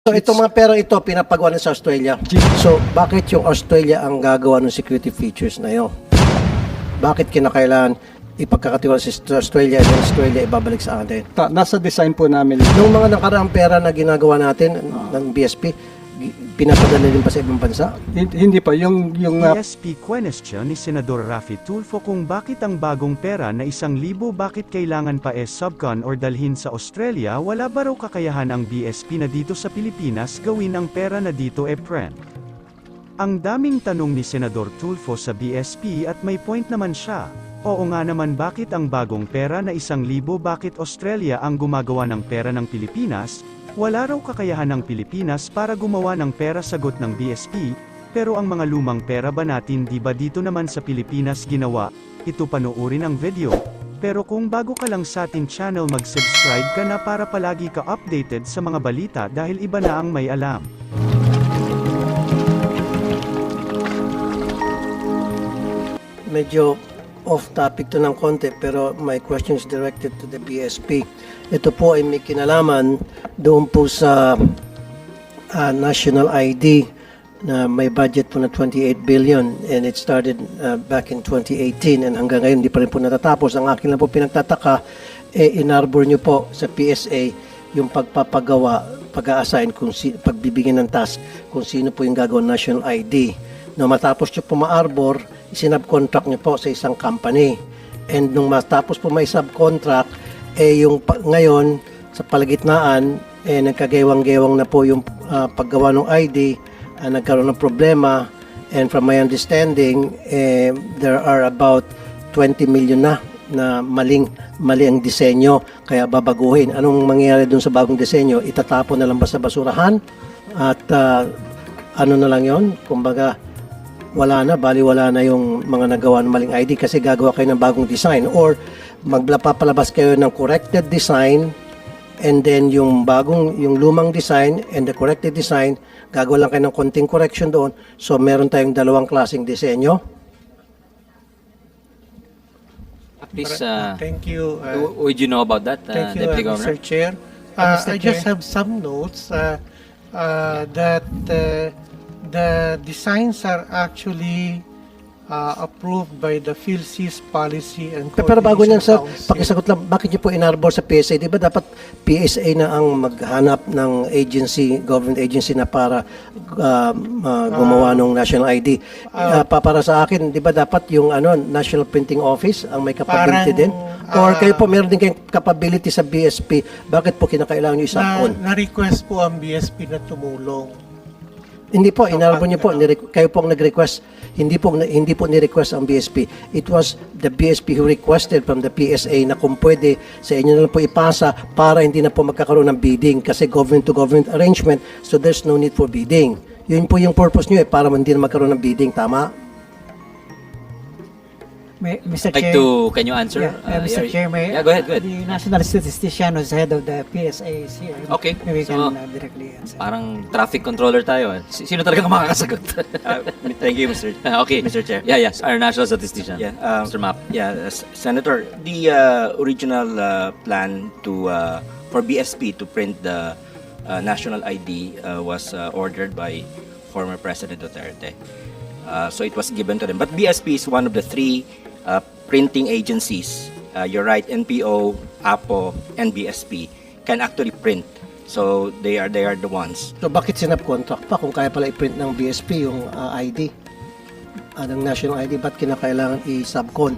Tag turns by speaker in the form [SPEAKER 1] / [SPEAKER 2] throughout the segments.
[SPEAKER 1] So itong mga pera ito, pinapagawa na sa Australia. So bakit yung Australia ang gagawa ng security features na yun? Bakit kinakailangan ipagkakatiwala sa Australia at Australia ibabalik sa atin?
[SPEAKER 2] Nasa design po namin.
[SPEAKER 1] Nung mga nakaraang pera na ginagawa natin ng BSP, pinapadala din pa sa ibang bansa?
[SPEAKER 2] Hindi pa. Yung
[SPEAKER 3] BSP question ni Senador Raffy Tulfo kung bakit ang bagong pera na 1,000 bakit kailangan pa subcon or dalhin sa Australia, wala ba raw kakayahan ang BSP na dito sa Pilipinas gawin ang pera na dito print? Ang daming tanong ni Senador Tulfo sa BSP at may point naman siya. Oo nga naman, bakit ang bagong pera na 1,000 bakit Australia ang gumagawa ng pera ng Pilipinas? Wala raw kakayahan ng Pilipinas para gumawa ng pera, sagot ng BSP, pero ang mga lumang pera ba natin di ba dito naman sa Pilipinas ginawa? Ito panoorin ang video. Pero kung bago ka lang sa ating channel, mag-subscribe ka na para palagi ka updated sa mga balita dahil iba na ang may alam.
[SPEAKER 1] Medyo off topic to ng konti pero my question is directed to the BSP. Ito po ay may kinalaman doon po sa national ID na may budget po na 28 billion and it started back in 2018 and hanggang ngayon hindi pa rin po natatapos. Ang akin lang po pinagtataka, inarbor nyo po sa PSA yung pagpapagawa, pag-a-assign, pagbibigyan ng task kung sino po yung gagawin national ID. No, matapos nyo po ma-arbor, isinabcontract nyo po sa isang company. And nung matapos po may subcontract, yung ngayon, sa palagitnaan, nagkagewang-gewang na po yung paggawa ng ID, nagkaroon ng problema, and from my understanding, there are about 20 million na mali ang disenyo, kaya babaguhin. Anong mangyayari dun sa bagong disenyo? Itatapon na lang ba sa basurahan? At ano na lang yon? Kumbaga, wala na yung mga nagawa ng maling ID kasi gagawa kayo ng bagong design or magpapalabas kayo ng corrected design and then yung lumang design and the corrected design, gagawa lang kayo ng konting correction doon. So meron tayong dalawang klaseng disenyo.
[SPEAKER 4] Please,
[SPEAKER 5] thank you.
[SPEAKER 4] would you know about that,
[SPEAKER 5] Thank you,
[SPEAKER 4] Deputy Governor?
[SPEAKER 5] Mr. Chair. I just have some notes that the designs are actually approved by the PhilSys Policy and
[SPEAKER 1] Pero bago niyan, sir,
[SPEAKER 5] Council.
[SPEAKER 1] pakisagot lang, bakit niyo po inarbor sa PSA? Di ba dapat PSA na ang maghanap ng agency, government agency na para gumawa ng national ID? Para sa akin, di ba dapat yung National Printing Office ang may capability din? Or kayo po meron din kayong capability sa BSP, bakit po kinakailangan niyo isakon?
[SPEAKER 5] Na-request po ang BSP na tumulong.
[SPEAKER 1] Hindi po, inarbor niyo po, kayo po ang nag-request. Hindi po ni-request ang BSP. It was the BSP who requested from the PSA na kung pwede sa inyo na lang po ipasa para hindi na po magkakaroon ng bidding kasi government-to-government arrangement, so there's no need for bidding. Yun po yung purpose niyo para hindi na magkaroon ng bidding, tama?
[SPEAKER 6] Mr.
[SPEAKER 4] Like
[SPEAKER 6] Chair,
[SPEAKER 4] can you answer?
[SPEAKER 6] Mr. Chair,
[SPEAKER 4] yeah, go ahead.
[SPEAKER 6] The national statistician who's head of the PSA is here.
[SPEAKER 4] Okay,
[SPEAKER 6] Maybe we
[SPEAKER 4] so,
[SPEAKER 6] can directly answer.
[SPEAKER 4] Parang traffic controller tayo. Sino talaga makakasagot?
[SPEAKER 7] Thank you, Mr.
[SPEAKER 4] Okay, Mr. Chair. Yeah, yes, our national statistician,
[SPEAKER 7] Yeah,
[SPEAKER 4] Mr. Map.
[SPEAKER 7] Senator, the original plan for BSP to print the national ID was ordered by former President Duterte. So it was given to them. But BSP is one of the three printing agencies. You're right, NPO, APO, and BSP can actually print. So they are the ones.
[SPEAKER 1] So bakit sinab-contract pa kung kaya pala i-print ng BSP yung ID? Ng national ID, ba't kinakailangan i-subcon?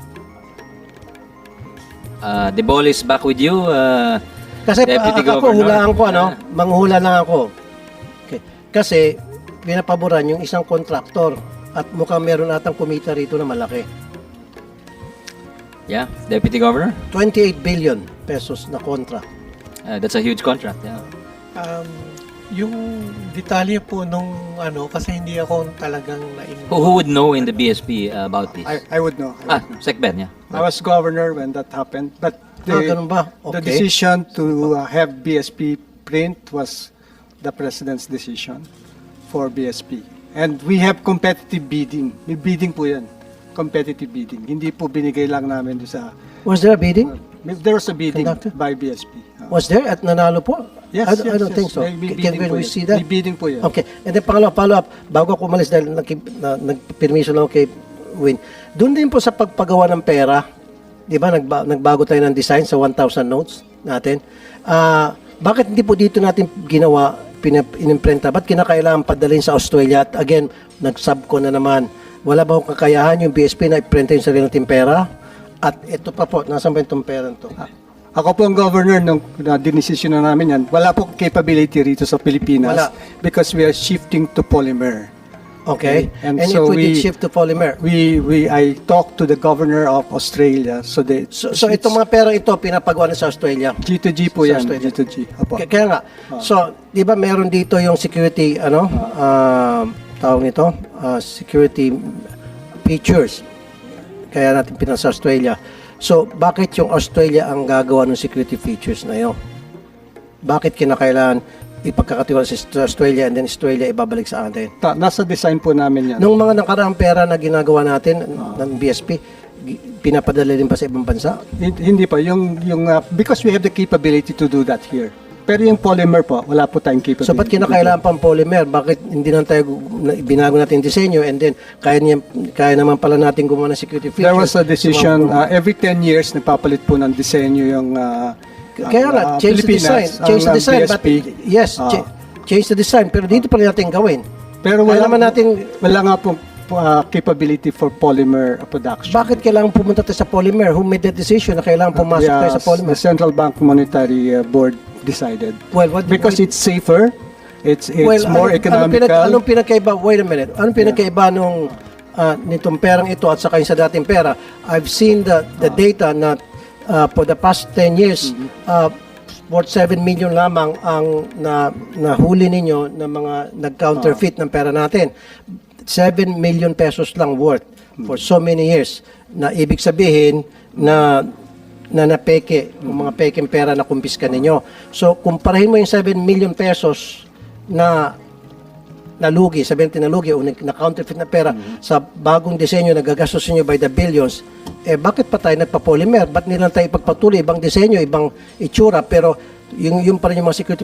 [SPEAKER 4] The ball is back with you,
[SPEAKER 1] Kasi
[SPEAKER 4] Deputy
[SPEAKER 1] ako,
[SPEAKER 4] Governor.
[SPEAKER 1] hulaan ko, manghula lang ako. Okay. Kasi, pinapaboran yung isang kontraktor at mukhang meron atang kumita rito na malaki.
[SPEAKER 4] Yeah, Deputy Governor.
[SPEAKER 1] 28 billion pesos na contract.
[SPEAKER 4] That's a huge contract. Yeah.
[SPEAKER 5] Yung detalye po nung kasi hindi ako talagang
[SPEAKER 4] Who would know in the BSP about this?
[SPEAKER 2] I would know.
[SPEAKER 4] Secben, yeah.
[SPEAKER 2] I was governor when that happened. But
[SPEAKER 1] Ganun ba?
[SPEAKER 2] the
[SPEAKER 1] Okay.
[SPEAKER 2] decision to have BSP print was the President's decision for BSP. And we have competitive bidding. May bidding po yan. Competitive bidding. Hindi po binigay lang namin sa...
[SPEAKER 1] Was there a bidding?
[SPEAKER 2] There was a bidding
[SPEAKER 1] Conducted?
[SPEAKER 2] by BSP.
[SPEAKER 1] Was there at nanalo po?
[SPEAKER 2] Yes,
[SPEAKER 1] I don't think so.
[SPEAKER 2] May
[SPEAKER 1] Can
[SPEAKER 2] bidding po
[SPEAKER 1] we
[SPEAKER 2] yan.
[SPEAKER 1] see that?
[SPEAKER 2] May bidding po yan.
[SPEAKER 1] Okay. And then pangalawa, follow-up, bago ako umalis dahil nagpermiso lang ako kay Win. Doon din po sa pagpagawa ng pera, di ba, nagbago tayo ng design sa 1,000 notes natin. Bakit hindi po dito natin ginawa, inimprenta? Ba't kinakailangan padalhin sa Australia? At again, nag-subco na naman. Wala ba akong kakayahan yung BSP na iprenta yung sarili nating pera? At ito pa po, nasan ba itong pera ito?
[SPEAKER 2] Ako po ang governor nung dinesisyon na namin yan. Wala po capability rito sa Pilipinas
[SPEAKER 1] Wala.
[SPEAKER 2] because we are shifting to polymer.
[SPEAKER 1] Okay.
[SPEAKER 2] And
[SPEAKER 1] And
[SPEAKER 2] so
[SPEAKER 1] if we did
[SPEAKER 2] we-
[SPEAKER 1] shift to polymer,
[SPEAKER 2] I talked to the governor of Australia. So
[SPEAKER 1] itong mga pera ito, pinapagawa na sa Australia.
[SPEAKER 2] G2G po
[SPEAKER 1] Sa
[SPEAKER 2] yan.
[SPEAKER 1] Australia.
[SPEAKER 2] G2G. Apo.
[SPEAKER 1] Kaya nga. So, di ba meron dito yung security, tawag nito, security features. Kaya natin pinasa sa Australia. So, bakit yung Australia ang gagawa ng security features na yun? Bakit kinakailangan ipagkakatiwala sa Australia and then Australia ibabalik sa atin?
[SPEAKER 2] Nasa design po namin yan.
[SPEAKER 1] Nung mga nakaraang pera na ginagawa natin ng BSP, pinapadala din pa sa ibang bansa?
[SPEAKER 2] Hindi pa. Because we have the capability to do that here. Pero yung polymer po, wala po tayong capability.
[SPEAKER 1] So, ba't kinakailangan pang polymer? Bakit hindi lang tayo binago natin yung disenyo and then kaya naman pala natin gumawa ng security features?
[SPEAKER 2] There was a decision, every 10 years, nagpapalit po ng disenyo yung
[SPEAKER 1] Kaya nga, change the design. Change the design. But, yes, change the design. Pero dito pa rin natin gawin.
[SPEAKER 2] Pero
[SPEAKER 1] Kaya
[SPEAKER 2] wala,
[SPEAKER 1] naman natin,
[SPEAKER 2] wala nga po capability for polymer production.
[SPEAKER 1] bakit kailangan pumunta tayo sa polymer? Who made that decision na kailangan pumasok tayo sa polymer?
[SPEAKER 2] The Central Bank Monetary Board decided.
[SPEAKER 1] Well,
[SPEAKER 2] Because it's safer, it's more economical.
[SPEAKER 1] Anong pinagkaiba? Wait a minute. Anong pinagkaiba nung nitong perang ito at saka yung sa dating pera? I've seen the data na for the past 10 years, worth 7 million lamang ang nahuli ninyo na mga nag-counterfeit ng pera natin. 7 million pesos lang worth for so many years. Na ibig sabihin na napeke, yung mga peking pera na kumpiska ninyo. So, kumparahin mo yung 7 million pesos na nalugi, sabihin natin nalugi o na-counterfeit na pera sa bagong disenyo na gagastos ninyo by the billions, bakit pa tayo nagpa-polymer? Ba't nilang tayo ipagpatuloy? Ibang disenyo, ibang itsura, pero yung pa rin yung mga security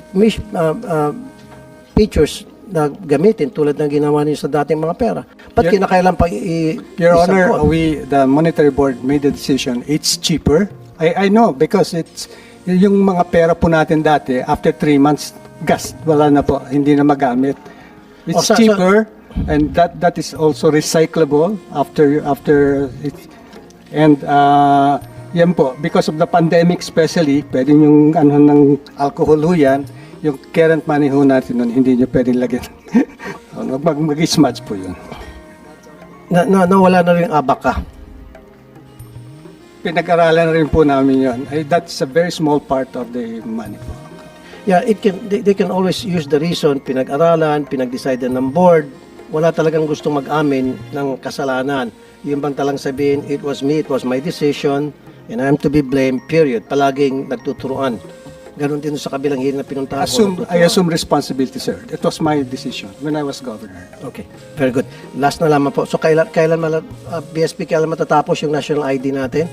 [SPEAKER 1] features na gamitin tulad ng ginawa niyo sa dating mga pera. Ba't kinakailan pa
[SPEAKER 2] Your Honor,
[SPEAKER 1] isangkot?
[SPEAKER 2] the Monetary Board made the decision. It's cheaper. I know because it's yung mga pera po natin dati after 3 months wala na po, hindi na magamit. It's cheaper and that is also recyclable after it. And yan po, because of the pandemic especially, pwedeng yung ng alcohol ho yan, yung current money ho natin nun, hindi nyo pwedeng lagyan. Mag-smudge po yun.
[SPEAKER 1] Wala na rin abaka.
[SPEAKER 2] Pinag-aralan rin po namin yun. That's a very small part of the money po.
[SPEAKER 1] Yeah, they can always use the reason, pinag-aralan, pinag-decide ng board. Wala talagang gustong mag-amin ng kasalanan. Yung bang talang sabihin, it was me, it was my decision, and I'm to be blamed, period. Palaging nagtuturuan. Ganon din sa kabilang hearing na pinuntahan ko.
[SPEAKER 2] I assume responsibility, sir. It was my decision when I was governor.
[SPEAKER 1] Okay, very good. Last na lamang po. So, kailan BSP, kailan matatapos yung national ID natin?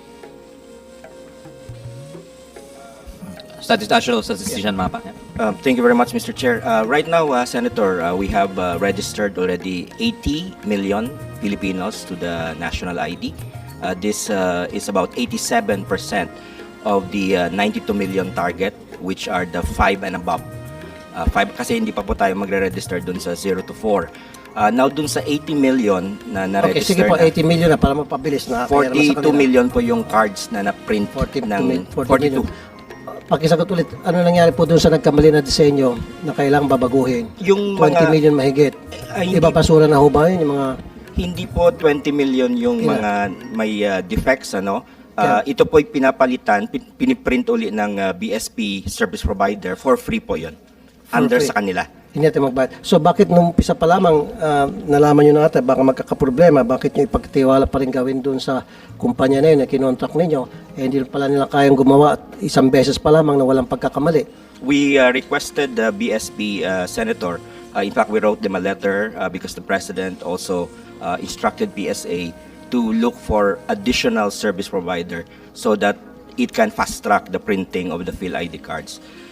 [SPEAKER 4] National statistician mapa.
[SPEAKER 7] Thank you very much, Mr. Chair. Right now, Senator, we have registered already 80 million Filipinos to the national ID. This is about 87% of the 92 million target, which are the 5 and above. 5 kasi hindi pa po tayo magre-register dun sa 0 to 4. Now dun sa 80 million na
[SPEAKER 1] Okay, sige
[SPEAKER 7] na-register
[SPEAKER 1] po, 80 million na para mapabilis na.
[SPEAKER 7] 42 million po yung cards na na-print
[SPEAKER 1] 42
[SPEAKER 7] ng
[SPEAKER 1] million.
[SPEAKER 7] 42.
[SPEAKER 1] Pakisagot ulit, ano nangyari po dun sa nagkamali na disenyo na kailangang babaguhin?
[SPEAKER 7] Yung
[SPEAKER 1] 20 million mahigit.
[SPEAKER 7] Ay,
[SPEAKER 1] Ibabasura na ho ba yun? Yung mga...
[SPEAKER 7] Hindi po 20 million yung
[SPEAKER 1] Ilan?
[SPEAKER 7] mga may defects, ano. Ito po ay pinapalitan, piniprint uli ng BSP service provider for free po yun. Under
[SPEAKER 1] free.
[SPEAKER 7] sa kanila.
[SPEAKER 1] Hindi natin magbayad. So bakit nung umpisa pa lamang nalaman nyo na ata baka magkakaproblema, bakit nyo ipagtiwala pa rin gawin doon sa kumpanya na yun na kinontract ninyo, hindi pala nila kayang gumawa at isang beses pa lamang na walang pagkakamali.
[SPEAKER 7] We requested the BSP senator, in fact we wrote them a letter because the president also instructed PSA to look for additional service provider so that it can fast track the printing of the PhilID cards.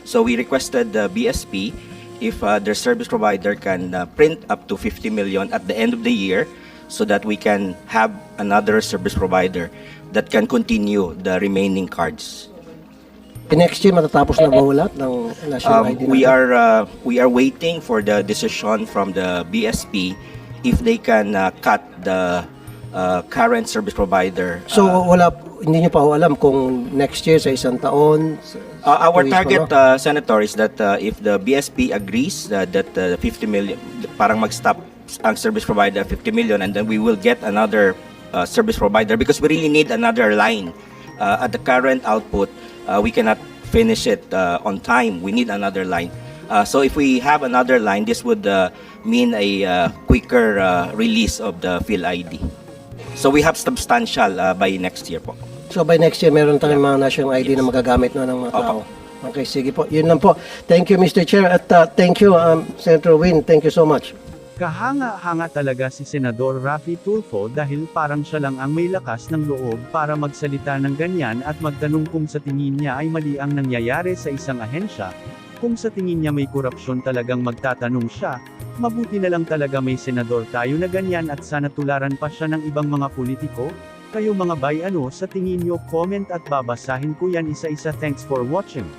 [SPEAKER 7] So we requested the BSP if their service provider can print up to 50 million at the end of the year so that we can have another service provider that can continue the remaining cards.
[SPEAKER 1] Next year, matatapos na ba lahat ng national ID
[SPEAKER 7] We
[SPEAKER 1] natin?
[SPEAKER 7] we are waiting for the decision from the BSP if they can cut the current service provider.
[SPEAKER 1] So, hindi nyo pa ho alam kung next year sa isang taon?
[SPEAKER 7] Our
[SPEAKER 1] 2 years
[SPEAKER 7] target,
[SPEAKER 1] pa, no?
[SPEAKER 7] Senator, is that if the BSP agrees that 50 million, parang mag-stop ang service provider at 50 million, and then we will get another service provider because we really need another line. At the current output, we cannot finish it on time. We need another line. So if we have another line, this would mean a quicker release of the PhilID. So we have substantial by next year po.
[SPEAKER 1] So, by next year, meron tayong mga national ID na magagamit na ng mga tao. Okay, sige po. Yun lang po. Thank you, Mr. Chair. At thank you, Senator Win. Thank you so much.
[SPEAKER 3] Kahanga-hanga talaga si Senador Raffy Tulfo dahil parang siya lang ang may lakas ng loob para magsalita ng ganyan at magtanong kung sa tingin niya ay mali ang nangyayari sa isang ahensya. Kung sa tingin niya may korupsyon talagang magtatanong siya, mabuti na lang talaga may senador tayo na ganyan at sana tularan pa siya ng ibang mga politiko. Kayo mga bay, ano sa tingin niyo? Comment at babasahin ko yan isa-isa. Thanks for watching.